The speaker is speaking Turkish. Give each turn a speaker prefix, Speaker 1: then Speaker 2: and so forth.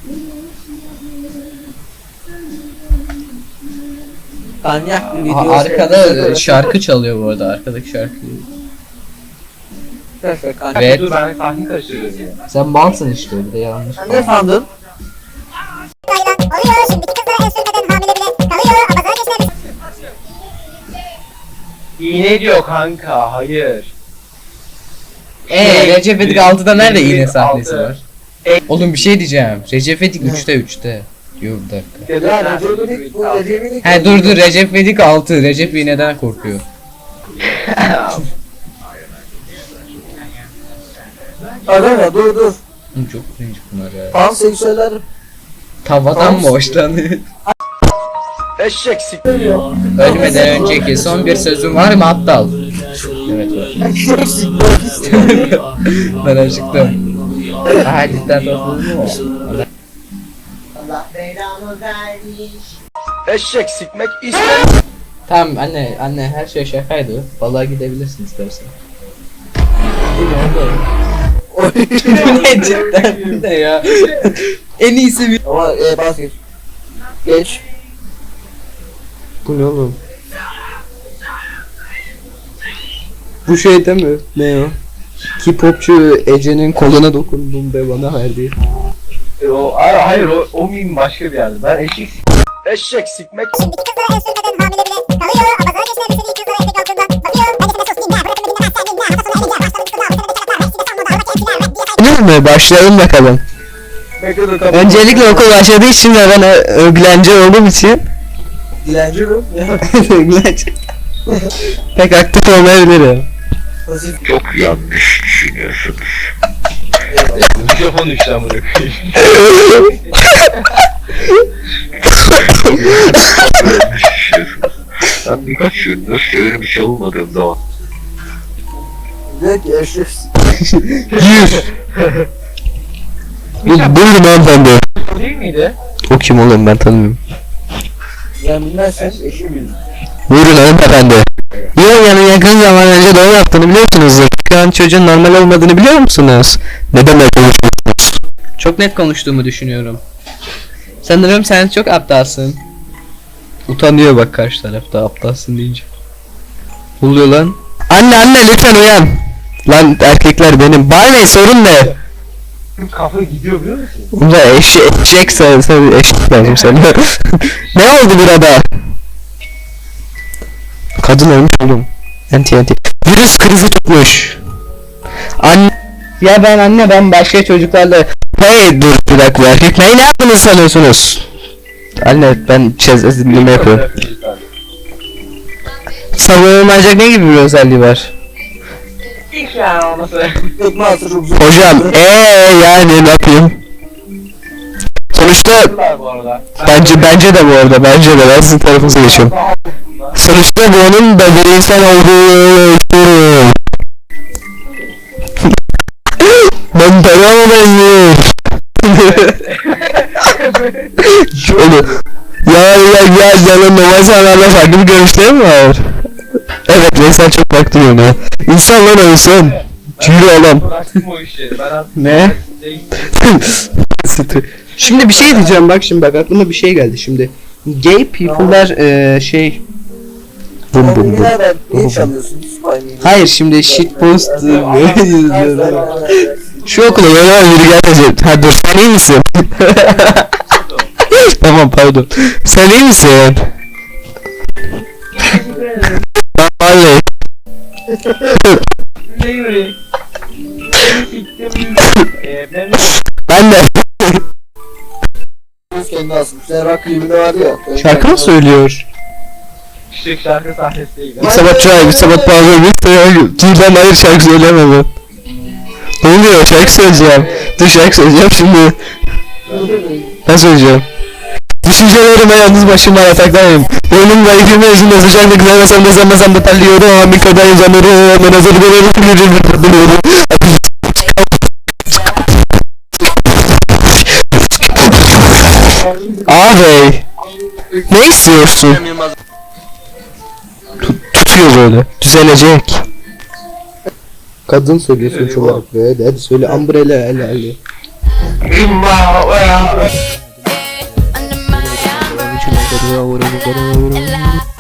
Speaker 1: Manyak bir video.
Speaker 2: Arkada şarkı çalıyor bu arada, arkadaki şarkı. Evet.
Speaker 3: Dur ben sahne karıştırıyorum ya.
Speaker 2: Sen malsın işte, bir de yanlış.
Speaker 1: Sen ne sandın?
Speaker 4: Oluyor şimdiki kızlara el sürmeden hamile bile kalıyor ama sana geçmemiz.
Speaker 3: İğne diyor kanka, hayır.
Speaker 2: Recep İvedik 6'da nerede iğne
Speaker 3: Altı.
Speaker 2: sahnesi var? Oğlum bir şey diyeceğim. Recep İvedik 3'te. Yok bir dakika.
Speaker 1: Ya Recep İvedik bu Recep İvedik.
Speaker 2: He dur Recep İvedik 6. Recep iğneden korkuyor.
Speaker 1: Arama dur.
Speaker 2: Oğlum çok cringe bunlar ya.
Speaker 1: Panseksüeller
Speaker 2: Tavadan mı hoşlanıyor?
Speaker 3: Eşek siktir.
Speaker 2: Ölmeden önceki son bir sözüm var mı aptal? Evet var. Ben acıktım. Cidden topladım mu?
Speaker 3: Eşek sikmek istemem.
Speaker 2: Tamam anne her şey şakaydı. Balığa gidebilirsin istersen. Ne cidden ne ya? En iyisi bir...
Speaker 1: ama bas geç. Geç.
Speaker 2: Bu ne oğlum? Bu şey değil mi? Ne o? K-popçu Ece'nin koluna dokundum ve bana verdi.
Speaker 3: Hayır o meme başka bir yerde. Ben eşek sikmek.
Speaker 4: Şimdiki kızlara el sürmeden hamile bile kalıyor ama sana geçmemiz ilk kızlara etek altından bakıyor. Hadi sen de sus dinle bırakın dinlemezsen dinle. Hafta sonu eğlence başladık kızlar.
Speaker 2: Değil mi? Başlayalım bakalım. Öncelikle okul başladığı için ve ben öğlenci olduğum için
Speaker 1: Dilenci mi?
Speaker 2: öğlenci. Pek aktif olmayabilirim.
Speaker 1: Pasif.
Speaker 3: Çok yanlış düşünüyorsunuz. Mikrofon düştü amına koyayım. Ben birkaç gündür şöyle bir şey olmadığım zaman.
Speaker 1: Diyor ki eşek.
Speaker 2: Gir. Buyurun hanımefendi.
Speaker 3: Değil miydi?
Speaker 2: O kim oğlum, ben tanımıyorum.
Speaker 1: Yani bilmezsen eşi bilir.
Speaker 2: Buyurun hanımefendi. Yonya'nın yakın zaman önce doğum yaptığını biliyorsunuzdur. Şu an çocuğun normal olmadığını biliyor musunuz? Ne demek konuşuyorsunuz? Çok net konuştuğumu düşünüyorum. Sanırım sen çok aptalsın. Utanıyor bak karşı tarafta aptalsın deyince. Ne oluyor lan? Anne lütfen uyan. Lan erkekler benim. Bana ne, sorun ne?
Speaker 3: Kafa gidiyor biliyor musun?
Speaker 2: Bunda eşek sen eşek lazım sana. Ne oldu burada? Kadın ölmüş oğlum. Anti. Virüs krizi tutmuş. Anne ben başka çocuklarla... Hey dur bir dakika, erkekleri ne yaptığını sanıyorsunuz? Anne ben dinleme yapıyorum. Savunulmayacak ne gibi bir özelliği var?
Speaker 3: İlk yani olması.
Speaker 1: Tekme atı çok zor.
Speaker 2: Hocam yani ne yapayım? Sonuçta
Speaker 3: Bu arada.
Speaker 2: bence de bu arada ben sizin tarafınıza geçiyorum. Sonuçta bu onun da bir insan olduğunu istiyorum. Ben paramı benziyor. Şöyle. Ya canım normal sanarla farklı bir görüşlerim var. Evet Veysel çok baktı yöne. İnsanlar ölsün. Yürü oğlum.
Speaker 3: Bıraktım o işleri. Ben artık
Speaker 2: Ne? Şimdi bir şey diyeceğim bak aklıma bir şey geldi şimdi. Gay people'lar bum.
Speaker 1: Nereden? Niye çalıyorsun?
Speaker 2: Hayır şimdi shitpost şu okula böyle biri gelecek. Ha dur, sen iyi misin? Tamam pardon. Sen iyi misin? Vallahi. Ben de.
Speaker 1: Kendi asmış. Sen rock klibinde vardı ya.
Speaker 2: Şarkı mı söylüyor?
Speaker 3: İşte şarkı sahnesi değil.
Speaker 2: Bir sabah çay, bir sabah bağlı, bir sabah Tuğdan hayır şarkı söyleyemem ben. Ne oluyor? Şarkı söyleyeceğim. Dur şarkı söyleyeceğim şimdi. Ben söyleyeceğim. Düşüncelerime yalnız başıma yataktayım. Boynum ve ikimi yüzümde sıcaklık nefesem de terliyorum. Amikodayım zanırım. Ben hazır biliyorum. Abi ne istiyorsun? Tutuyor böyle. Düzelecek. Kadın söylüyor sonuç olarak böyle. Hadi söyle umbrella hele.
Speaker 5: Under my umbrella.